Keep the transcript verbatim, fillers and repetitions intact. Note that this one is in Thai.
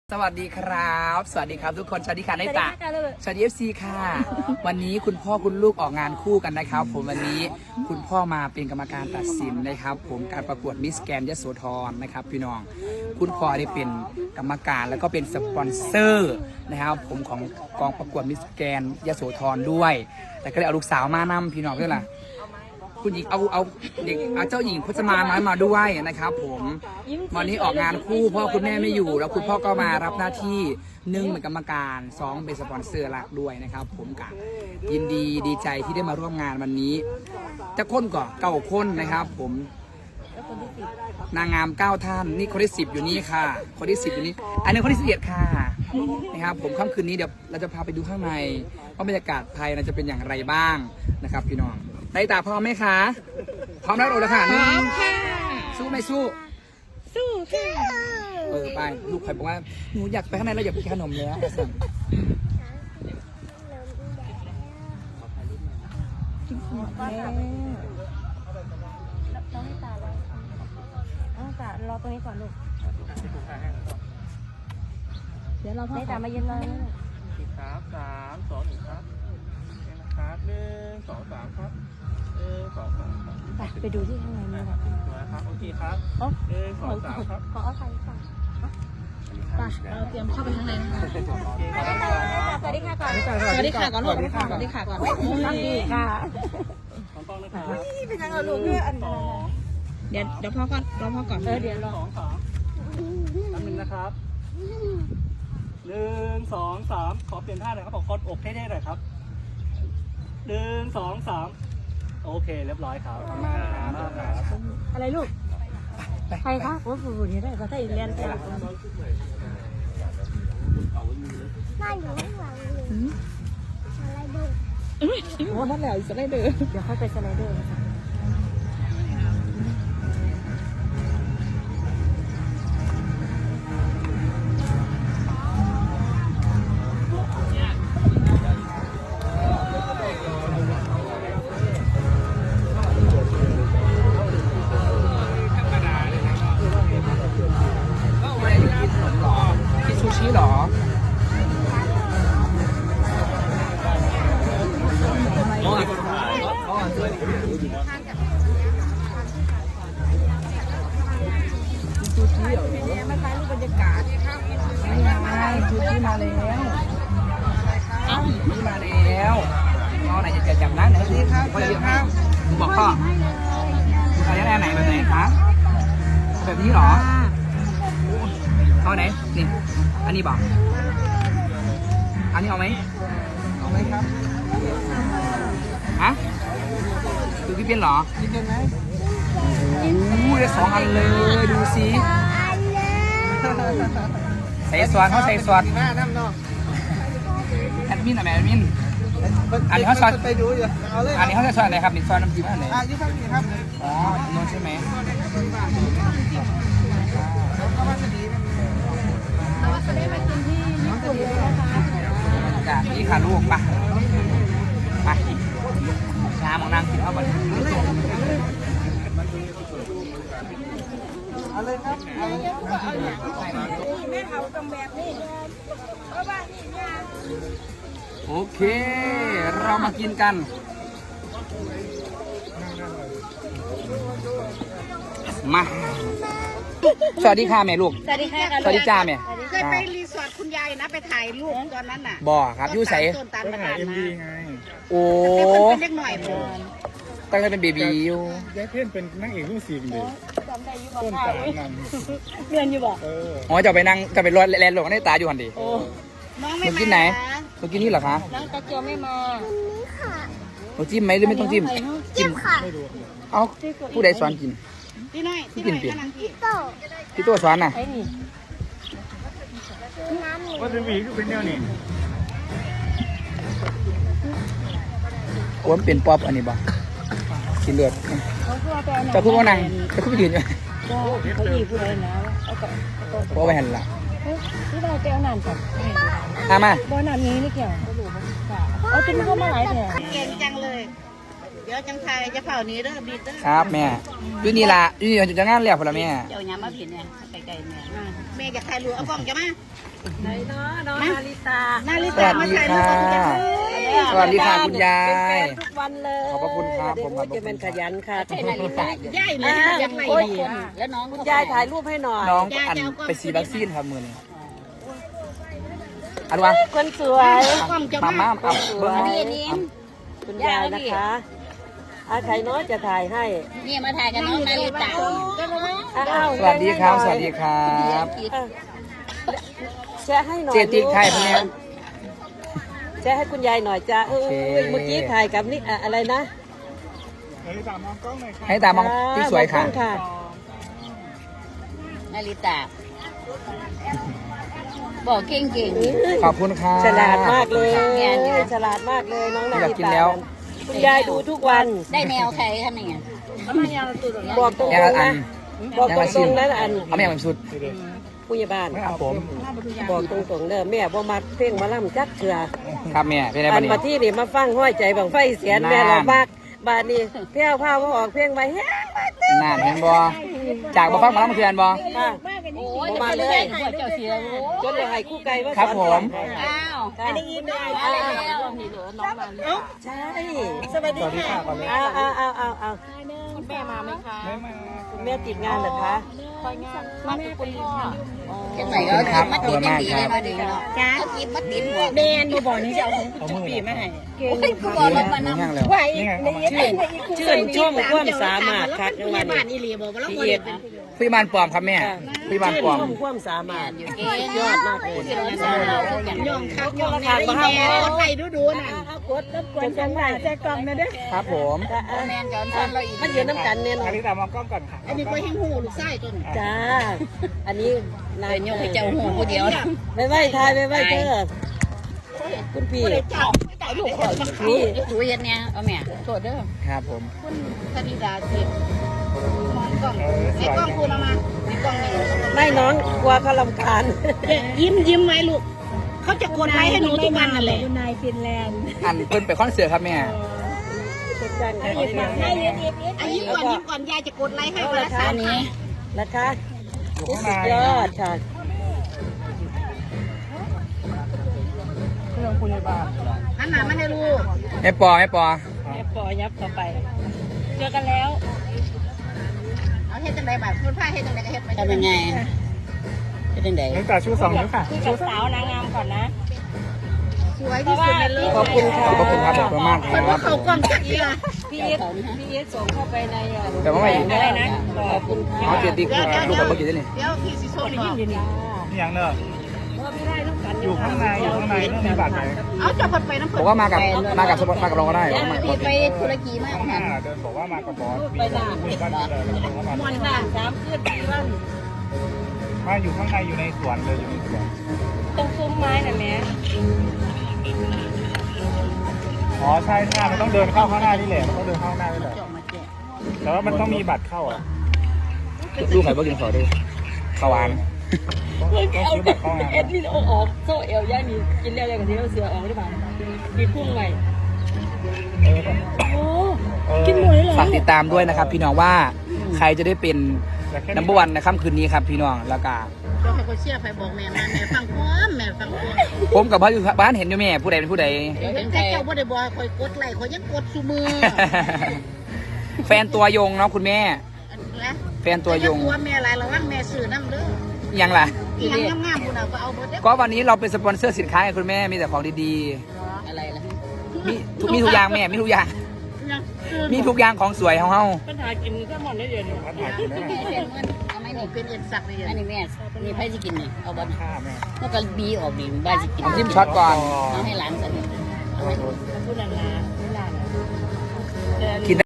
สวัสดีครับสวัสดีครับทุกคนสวัสดีค่ะในตาสวัสดีเอฟซีค่ะ วันนี้คุณพ่อคุณลูกออกงานคู่กันนะครับผมวันนี้คุณพ่อมาเป็นกรรมการตัดสินนะครับผมการประกวดมิสแกรนด์ยโสธรนะครับพี่น้องคุณพ่อได้เป็นกรรมการแล้วก็เป็นสปอนเซอร์นะครับผมของกองประกวดมิสแกรนด์ยโสธรด้วยแต่ก็เลยเอาลูกสาวมานำพี่น้องด้วยล่ะคุณหญิงเอาเอาเด็กเอาเจ้าหญิงพจมานน้อยมาด้วยนะครับผมวันนี้ออกงานคู่พ่อคุณแม่ไม่อยู่แล้วคุณพ่อก็มารับหน้าที่หนึ่งเป็นกรรมการสองเป็นสปอนเซอร์หลักด้วยนะครับผมกะยินดีดีใจที่ได้มาร่วมงานวันนี้จะค้นก่อนเก้าคนนะครับผมนางงามเก้าท่านนี่คนที่สิบอยู่นี่ค่ะคนที่สิบอยู่นี่อันนี้คนที่สิบเอ็ดค่ะนะครับผมค่ำคืนนี้เดี๋ยวเราจะพาไปดูข้างในว่าบรรยากาศภายในจะเป็นอย่างไรบ้างนะครับพี่น้องในตาพร้อมไหมคะพร้อมแล้วโอ้แล้วค่ะนี่สู้ไม่สู้สู้ค่ะเออไปลูกใครบอกว่าหนูอยากไปข้างในแล้วอยากไปกินขนมแล้วสั่งต้องให้ตาเลยต้องตารอตรงนี้ก่อนลูกเดี๋ยวเราให้ตามายืนรอครับสามสองหนึ่งครับครับหนึ่งสองสามครับหนึ่งสองสามครับไปไปดูที่ข้างในนี่ค่ะสวยครับโอเคครับหนึ่งสองสามครับขอเอาใครก่อนไปเราเตรียมเข้าไปข้างในนะคะสวัสดีค่ะก่อนสวัสดีค่ะก่อนลูกสวัสดีค่ะก่อนสวัสดีค่ะของกล้องนะครับนี่เป็นยังไงลูกเพื่ออันเดี๋ยวเดี๋ยวพ่อก่อนรอพ่อก่อนเออเดี๋ยวรอสองสามแป๊บนึงนะครับหนึ่งสองสามขอเปลี่ยนท่าหน่อยครับขอกดอกเท่ๆหน่อยครับหนึ่งสองสามโอเคเรียบร้อยครับอะไรลูกใครคะโอ้โหนี่ได้ก็ได้เรียนแต่บ้านอยู่ข้างหลังเลยอะไรดูโอ้นั่นแหละสไลเดอร์เดี๋ยวค่อยไปสไลเดอร์นะคะกินซูชิหรอซูชิเหรอมาถ่ายรูปบรรยากาศนี่ไงซูชิมาแล้วนี่มาแล้วน้องไหนจะจับนะไหนสิครับสวัสดีครับบอกพ่อเอาอย่างไหนแบบไหนครับแบบนี้เหรอเอาไหนนี่อันนี้บอกอันนี้เอาไหมเอาไหมครับฮะคือพี่เป็นเหรอพี่เป็นไหมโอ้โหได้สองอันเลยดูสิใส่ซอสเขาใส่ซอสแอดมินอะแม่แอดมินอันนี้เขาซอสไปดูอยู่อันนี้เขาจะซอสอะไรครับนี่ซอสน้ำจิ้มอะไรอ่ะยี่ห้อนี้ครับอ๋อโน้นใช่ไหมนี่ค่ะลูกมามาน้ำของนางกินเข้าไปเอาเลยครับเอาเลยแม่เขาต้องแบบนี้เพราะว่านี่ยาโอเคเรามากินกันมาสวัสดีค่ะแม่ลูกสวัสดีค่ะสวัสดีจ้าแม่เคยไปรีสอร์ทคุณยายนะไปถ่ายรูปตอนนั้นน่ะบ่อครับยูใสต้นตาลประกาศมาโอ้เป็นเล็กหน่อยผมตั้งแต่เป็นเบบีอยู่ยายเพื่อนเป็นนางเอกลูกศิษย์เลยต้นตาลนำเรียนอยู่บ่เอออ๋อจะไปนั่งจะไปรถแลนด์หลงในตาอยู่หันดีโอ้น้องหไม่นูมากินไหนหนูกินนี่เหรอคะน้องตะเกียวไม่มาหนูจิ้มไหมหรือไม่ต้องจิ้มจิ้มค่ะเอาผู้ใดสอนกินพี่น้อยพี่น้อยกำลังกินพี่ตัวสอนน่ะไอ้นี่ว่าเป็นวีก็เป็นแนวนี้โอ้มเป็นป๊อปอันนี้บ่กินเลือดเขาคือว่าไปเอาหนังจะพูดว่านั่งจะพูดยืนอยู่ก็เขาหยิบเลยนะเอาต่อเอาต่อเพราะไปหันละที่เราไปเอาหนังก่อนอามาบ่หนังนี้นี่เกี่ยวเอาจิ้มเข้ามาหลายแถวเก่งจังเลย เดี๋ยวจังไทยจะเผานี้เด้อบีเด้อครับแม่อยู่นี่ละอยู่นี่จะงานแล้วพอละแม่เดี๋ยวยามาผิดเนี่ยไกลๆแม่แม่จะใครรู้เอากล้องจะมาไหนเนาะน้องนาริตานาริสตาวัสมาดีถ่ายรูค่ะปกับคุณยายสวัสดีค่ะคุณยาเป็นแฟยนทุกวันเลยขอบพระคุณครับผมขอบพระคุณจะเป็นขยันค่ะใช่นาริตาย่ายเลยยังไงดีแล้วน้องคุณยายถ่ายรูปให้หน่อยน้องอันไปซีวัคซีนครับมือนี้อันวะคนสวยมาม่าเอาเบิ้งนี่นี่คุณยายนะคะอาใครน้อยจะถ่ายให้นี่มาถ่ายกับน้องนาริตาอ้าวสวัสดีครับ สวัสดีครับแชร์ให้หน่อยเจติกไทยพวกนี้แชร์ให้คุณยายหน่อยจ้าเออโอเคเมื่อกี้ถ่ายกับนี่อะอะไรนะให้ตามมองที่สวยค่ะมองกล้องค่ะนาริตาบอกเก่งเก่งขอบคุณค่ะฉลาดมากเลยงานอยู่ฉลาดมากเลยน้องนาอยากฬิกินตาแล้วคุณยายดูทุกวันได้แนวใครทำยังไงบอกตรงแยังละๆอันะนบอกยังตละรชิ้นงๆนะอันเอาแม่มาสุดผู้ใหญ่บ้านครับผมบอกตรงๆเด้อแม่บ่มักเพลงหมาล่ำจักเถื่อครับแม่เป็นไงอับ้านนนี้มาที่นี่มาฟังห้อยใจบังไฟเสียนนั่นแม่เรามากบาดนี้แพ้วพาว่าออกเพลงไปแฮะนานเห็นบ่จากบ่ฟังมาแล้วเมื่อคืนบ่ค่ะโอ้ยมาเลยเจ้าเสียจนเลยให้คู่ไก่ว่าครับสอนผมอ้าวอันนี้ยินดีอ้าวใช่สวัสดีค่ะก่อนเลยเอาเอาเอาเอาเอาคุณแม่มาไหมคะไม่มาคุณแม่ติดงานเหรอคะมาที่คุณพ่อเชียงใหม่ก็กินมัดติดยังดีเลยมาดีเนาะจ้ากินมัดติดหัวเบนมาบอกนี่จะเอาของปีมาให้โอ้ยคุณบอกรถมานำย่างแล้วชื่นชื่นชมความสามารถครับยังไงบ้านอีหลีบอกว่าเราพี่เอ็ดพี่บานปลอมครับแม่พี่บานชื่นปลอมชมความสามารถอยู่สุเก่งดยอดมากเลยย่องคักย่องแน่อีแม่ไทยดูดูน่ะกดรบกวนจังหวะแจกล่องนะเด้อครับผมแมนจอนซันเราอีกมันยืนน้ำกันเนี่ยนาริตามองกล้องก่อนค่ะอันนี้ก็แห้งหูลูกไส้ต้นจ้า อันนี้นายโยกให้เจ้าหูผู้เดียวไปไหว้ทายไปไหว้เธอคุณพี่เจ้าลูกคนนี่ถูเย็นเนี่ยเอาแม่โทษเด้อครับผมคุณธนิดาเสียมองกล้องไอ้กล้องคุณเอามาไอ้กล้องนี่ไม่น้องกลัวเขาลำคาญยิ้มยิ้มไหมลูกเขาจะกดไลค์ให้หนูทุกวันนั่นแหละนายฟินแลนด์อันเพิ่นไปคอนเสิร์ตครับแม่ให้ยืนให้ยืนอันยิ้มก่อนยิ้มก่อนยายจะกดไลค์ให้วันละสามนี้นะคะสุดยอดค่ะหันหน้ามาให้ลูกแม่ปอแม่ปอแม่ปอยับต่อไป เจอกันแล้วเอาเฮ็ดจังไดแบบคุณพ่าเฮ็ดจังไดก็เฮ็ดไปทำยังไงเฮ็ดจังไดน้องตาชูสองนิ้วค่ะคุยกับสาวนางงามก่อนนะสวยที่สุดในโลกขอบคุณค่ะขอบคุณครับขอบคุณมากคเพิ่นรัว่าบเขากล้องจักเอียพี่เอสพี่เอสส่งเข้าไปในอ่ะแต่ว่าไม่อะไรนะขอบคุณเอาเจติกลูกกับเมื่อกี้นี่เดี๋ยวพี่สิโซนบอกอย่างเนอะไม่ได้ลูกกันอยู่ข้างในอยู่ข้างในต้องมีบาดไหมเอาจะเพิ่นไปน้ำบเพิ่อกว่ามากับมากับสปอร์ตมากับเราก็ได้เดี๋ยวมาพี่ไปธุรกีมากค่ะเดินบอกว่ามากับบอสไปด่าม่วนด่าสามคืนปีวันมาอยู่ข้างในอยู่ในสวนเลยอยู่ในสวนตรงซุ้มไม้น่ะแม่อ๋อใช่ใช่มันต้องเดินเข้าข้างหน้านี่แหละมันต้องเดินเข้าข้างหน้านี่แหละแต่ว่ามันต้องมีบัตรเข้าอ่ะลูกใครบ้างกินขอดูขาวหวานต้องซื้อบัตรเข้างานเอ็ดนี่เอาออกโซ่เอวย่ามีกินแล้วอย่างที่เราเสือออกหรือเปล่ามีพุ่งใหม่โอ้กินหมดเลยเหรอฝากติดตามด้วยนะครับ พี่น้องว่าใครจะได้เป็นนัมเบอร์วันในค่ำคืนนี้ครับพี่น้องแล้วก็เจ้าให้คนเชื่อไปบอกแม่มาแม่ฟังความแม่ฟังความผมกับพ่ออยู่บ้านเห็นอยู่แม่ผู้ใดเป็นผู้ใดเดี๋ยวเห็นแต่เจ้าบ่ได้บอกคอยกดไลค์คอยยังกดซุมือแฟนตัวยงเนาะคุณแม่นะแฟนตัวยงตัวแม่หลายระวังแม่ซื้อน้ำเด้อยังล่ะอีหยังงามๆพุ่นน่ะก็เอาเบิดเด้อก็วันนี้เราเป็นสปอนเซอร์สินค้าให้คุณแม่มีแต่ของดีอะไรล่ะๆมีทุกมีทุกอย่างแม่มีทุกอย่าง มีทุกอย่างของสวยของเฮาปัญหากินแค่หมดได้เดือนเอาไม่นี่เป็นเอ็นสักเลยอันนี้แม่นี่ไผสิกินนี่เอาบ่แล้วก็บีออกนี่บ้านสิกินผมจิ้มช็อตก่อนเอาให้หลานซะนี่เอาให้พูดนานๆไม่นานกิน